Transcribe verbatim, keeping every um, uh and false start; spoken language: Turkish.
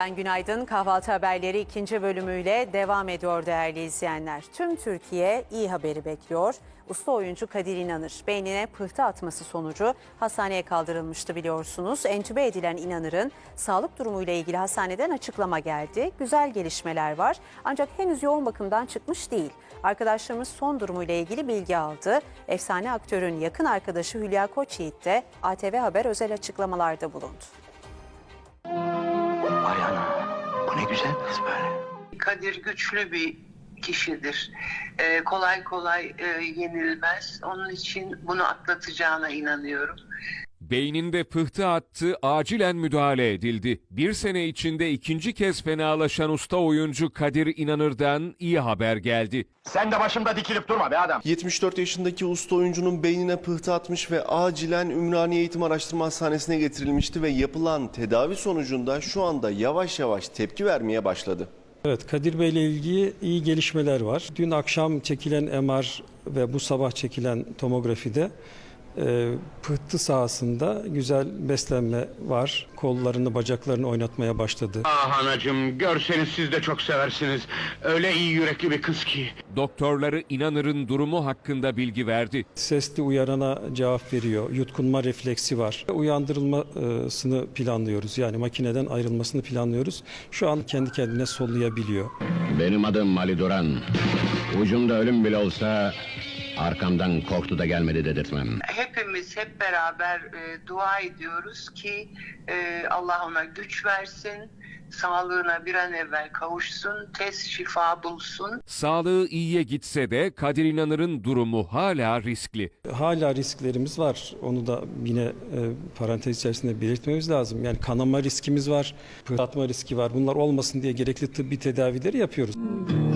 Günaydın. Kahvaltı haberleri ikinci bölümüyle devam ediyor değerli izleyenler. Tüm Türkiye iyi haberi bekliyor. Usta oyuncu Kadir İnanır beynine pıhtı atması sonucu hastaneye kaldırılmıştı biliyorsunuz. Entübe edilen İnanır'ın sağlık durumuyla ilgili hastaneden açıklama geldi. Güzel gelişmeler var ancak henüz yoğun bakımdan çıkmış değil. Arkadaşlarımız son durumuyla ilgili bilgi aldı. Efsane aktörün yakın arkadaşı Hülya Koçyiğit de A T V Haber özel açıklamalarda bulundu. Vay ana, bu ne güzel kız böyle. Kadir güçlü bir kişidir. Ee, kolay kolay e, yenilmez. Onun için bunu atlatacağına inanıyorum. Beyninde pıhtı attı, acilen müdahale edildi. Bir sene içinde ikinci kez fenalaşan usta oyuncu Kadir İnanır'dan iyi haber geldi. Sen de başımda dikilip durma be adam. yetmiş dört yaşındaki usta oyuncunun beynine pıhtı atmış ve acilen Ümraniye Eğitim Araştırma Hastanesi'ne getirilmişti ve yapılan tedavi sonucunda şu anda yavaş yavaş tepki vermeye başladı. Evet, Kadir Bey ile ilgili iyi gelişmeler var. Dün akşam çekilen M R ve bu sabah çekilen tomografide e, pıhtı sahasında güzel beslenme var. Kollarını, bacaklarını oynatmaya başladı. Ah anacığım, görseniz siz de çok seversiniz. Öyle iyi yürekli bir kız ki. Doktorları İnanır'ın durumu hakkında bilgi verdi. Sesli uyarana cevap veriyor. Yutkunma refleksi var. Uyandırılmasını planlıyoruz. Yani makineden ayrılmasını planlıyoruz. Şu an kendi kendine sollayabiliyor. Benim adım Ali Duran. Ucumda ölüm bile olsa arkamdan korktu da gelmedi dedirtmem. Hepimiz hep beraber e, dua ediyoruz ki e, Allah ona güç versin, sağlığına bir an evvel kavuşsun, tez şifa bulsun. Sağlığı iyiye gitse de Kadir İnanır'ın durumu hala riskli. Hala risklerimiz var. Onu da yine e, parantez içerisinde belirtmemiz lazım. Yani kanama riskimiz var, pıhtı atma riski var. Bunlar olmasın diye gerekli tıbbi tedavileri yapıyoruz.